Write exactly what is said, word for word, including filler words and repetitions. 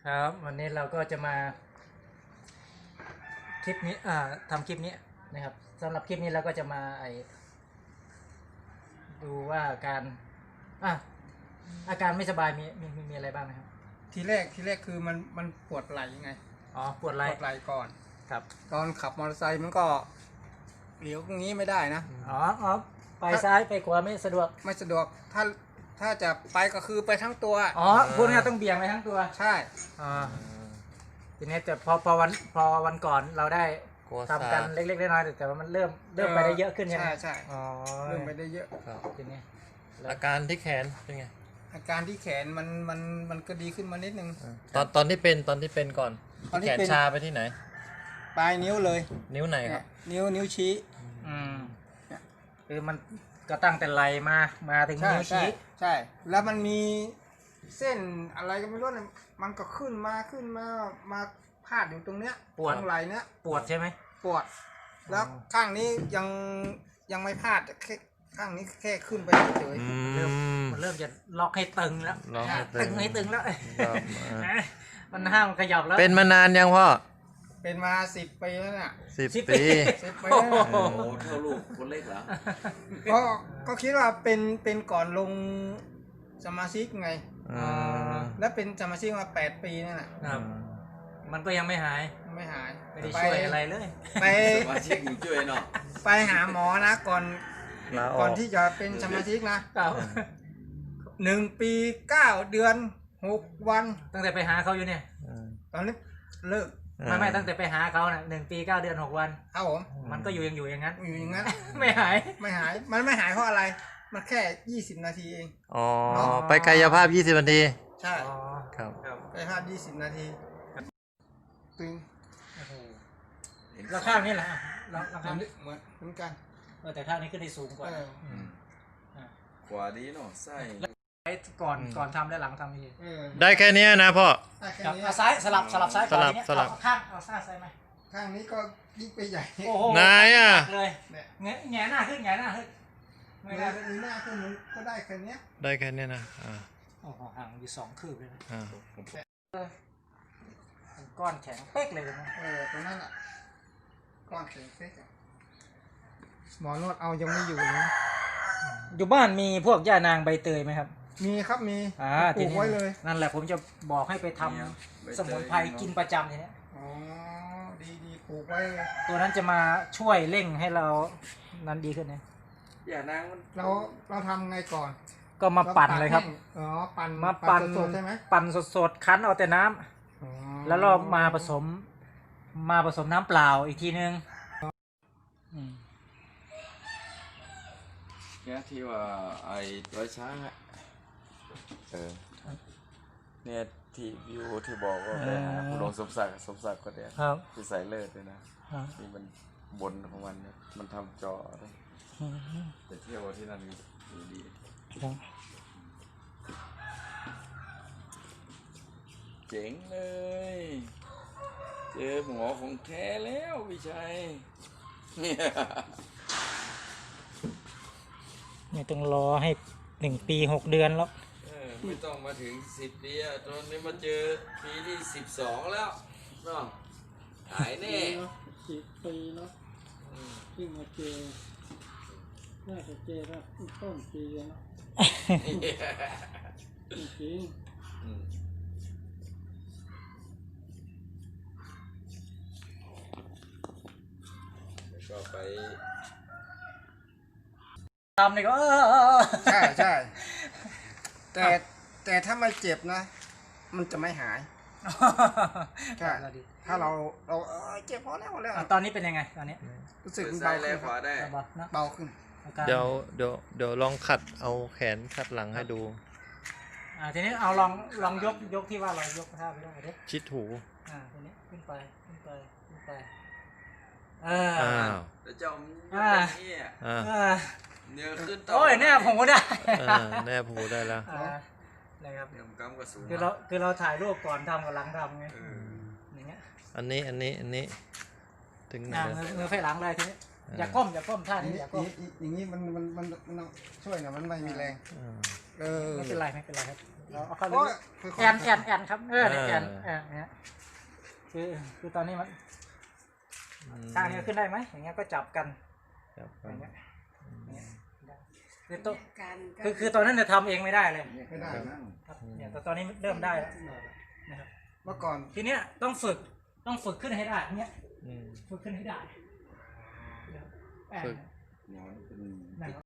ครับวันนี้เราก็จะมาคลิปนี้อ่าทำคลิปนี้นะครับสำหรับคลิปนี้เราก็จะมาไอดูว่าการอ่ะอาการไม่สบายมีมีมีมีอะไรบ้างนะครับทีแรกทีแรกคือมันมันปวดไหล่ไงอ๋อปวดไหปล่วดไหล่ก่อนครับตอนขับมอเตอร์ไซค์มันก็เลี้ยวตรงนี้ไม่ได้นะอ๋ออ๋อไปซ้ายไปขวาไม่สะดวกไม่สะดวกถ้าถ้าจะไปก็คือไปทั้งตัวอ๋อพูดง่ายต้องเบี่ยงไปทั้งตัวใช่อ๋อทีนี้แต่พอพอวันพอวันก่อนเราได้ทำกันเล็กๆน้อยๆแต่ว่ามันเริ่มเริ่มไปได้เยอะขึ้นใช่ไหมใช่ใช่อ๋อเริ่มไปได้เยอะทีนี้อาการที่แขนเป็นไงอาการที่แขนมันมันมันก็ดีขึ้นมานิดนึงตอนตอนที่เป็นตอนที่เป็นก่อนแขนชาไปที่ไหนปลายนิ้วเลยนิ้วไหนครับนิ้วนิ้วชี้อืมคือมันก็ตั้งแต่ไหลมามาถึงนิ้วชี้ใช่แล้วมันมีเส้นอะไรก็ไม่รู้เนี่ยมันก็ขึ้นมาขึ้นมามาพาดอยู่ตรงเนี้ยปวดไหล่เนี้ยปวดใช่ไหมปวดแล้วข้างนี้ยังยังไม่พาดแค่ข้างนี้แค่ขึ้นไปเฉยๆเริ่มมันเริ่มจะล็อกให้ตึงแล้วตึงให้ตึงแล้วมันห้ามขยับแล้วเป็นมานานยังพ่อเป็นมาสิบปีแล้วเนี่ยสิบปีสิบปีโอ้โหเท่าลูกคนเล็กเหรอก็ก็คิดว่าเป็นเป็นก่อนลงสมาชิกไงแล้วเป็นสมาชิกมาแปดปีนั่นแหละมันก็ยังไม่หายไม่หายไม่ได้ช่วยอะไรเลยไปสมาชิกช่วยเนาะไปหาหมอนะก่อนก่อนที่จะเป็นสมาชิกนะหนึ่งปีเก้าเดือนหกวันตั้งแต่ไปหาเขาอยู่เนี่ยตอนนี้เลิกไม่ไม่ตั้งแต่ไปหาเขาน่ะหนึ่งปีเก้าเดือนหกวันครับผมมันก็อยู่ยังอยู่อย่างนั้นอยู่อย่างนั้นไม่หายไม่หายมันไม่หายเพราะอะไรมันแค่ยี่สิบนาทีเองอ๋อไปกายภาพยี่สิบนาทีใช่ครับกายภาพยี่สิบนาทีตึงแล้วข้างนี้แหละแล้วข้างนี้เหมือนเหมือนกันแต่ข้างนี้ขึ้นได้สูงกว่าขวาดีเนาะไส้ก่อนก่อนทำและหลังทำนี่ได้แค่นี้นะพ่อเอาซ้ายสลับสลับซ้ายสลับสลับข้างเอาซ้ายใส่ไหมข้างนี้ก็ยิ่งไปใหญ่โอ้โหนายอ่ะเลยแงแงหน้าขึ้นแงหน้าขึ้นไม่ได้มีหน้าขึ้นมันก็ได้แค่นี้ได้แค่นี้นะอ่าโอ้โหห่างอยู่สองคืบเลยนะอ่าก้อนแข็งเป๊กเลยนะเออตรงนั้นอ่ะก้อนแข็งเป๊กหมอนวดเอายังไม่อยู่นะอยู่บ้านมีพวกย่านางใบเตยไหมครับมีครับมีอ่าปลูกไว้เลยนั่นแหละผมจะบอกให้ไปทำสมุนไพรกินประจำทีนี้อ๋อดีดีปลูกไว้ตัวนั้นจะมาช่วยเร่งให้เรานั้นดีขึ้นนะอย่านางเราเราทำไงก่อนก็มาปั่นเลยครับอ๋อปั่นมาปั่นสดใช่ไหมปั่นสดๆคั้นเอาแต่น้ำแล้วเรามาผสมมาผสมน้ำเปล่าอีกทีนึงเนี่ยที่ว่าไอ้ร้อยช้างอะเออเนี่ยที่วิวที่บอกว่าไปหาคุณหลวงสมศักดิ์สมศักดิ์ก็เดียวที่ใส่เลิศเลยนะนี่มันบนของมันมันทำจอแต่เที่ยวที่นั่นดีดีเจ๋งเลยเจอหมอของแท้แล้วพี่ชัยเนี่ยไม่ต้องรอให้หนึ่งปีหกเดือนแล้วไม่ต้องมาถึงสิบปีอ่ะตอนนี้มาเจอปีที่สิบสองแล้วเนาะหายแน่สิบปีเนาะที่มาเจอน่าจะเจอแล้วต้นปีเนาะจริงก็ไปทำนี่ก็ใช่ใช่แต่แต่ถ้าไม่เจ็บนะมันจะไม่หายใช่ถ้าเราเราเจ็บพอแล้วแล้วตอนนี้เป็นยังไงตอนนี้รู้สึกเบาขึ้นขวาได้เบาขึ้นเดี๋ยวเดี๋ยวเดี๋ยวลองขัดเอาแขนขัดหลังให้ดูอ่าทีนี้เอาลองลองยกยกที่ว่าเรายกท่าไปได้ดิชิดหูอ่าทีนี้ขึ้นไปขึ้นไปขึ้นไปเอออ้าวแล้วเจ้าอ่าอ่าเนี่ยขึ้นต่อโอ้ยแน่ผมก็ได้แน่ผมได้แล้วนะครับเนี่ยกำกระสุนคือเราคือเราถ่ายรูปก่อนทำกับหลังทำไงอย่างเงี้ยอันนี้อันนี้อันนี้ถึงมือมือไฟหลังเลยทีนี้อย่าก้มอย่าก้มท่านี้อย่าก้มอย่างนี้มันมันมันมันช่วยนะมันไม่มีแรงเออไม่เป็นไรไม่เป็นไรครับเราเอาเข้าโอ้ยลึกๆแอนแอนแอนครับเออเนี่ยแอนเออเนี่ยคือคือตอนนี้มันข้างนี้ขึ้นได้ไหมอย่างเงี้ยก็จับกันจับอกันย่างเงี้ยเนี่ยได้คือตัวการก็คือคือตอนนั้นจะทำเองไม่ได้เลยไม่ได้นะครับเนี่ยแต่ตอนนี้เริ่มได้แล้วนะครับเมื่อก่อนทีเนี้ยต้องฝึกต้องฝึกขึ้นให้ได้เนี้ยอืมฝึกขึ้นให้ได้แอนฝึกอย่างนั้นเป็นนะครับ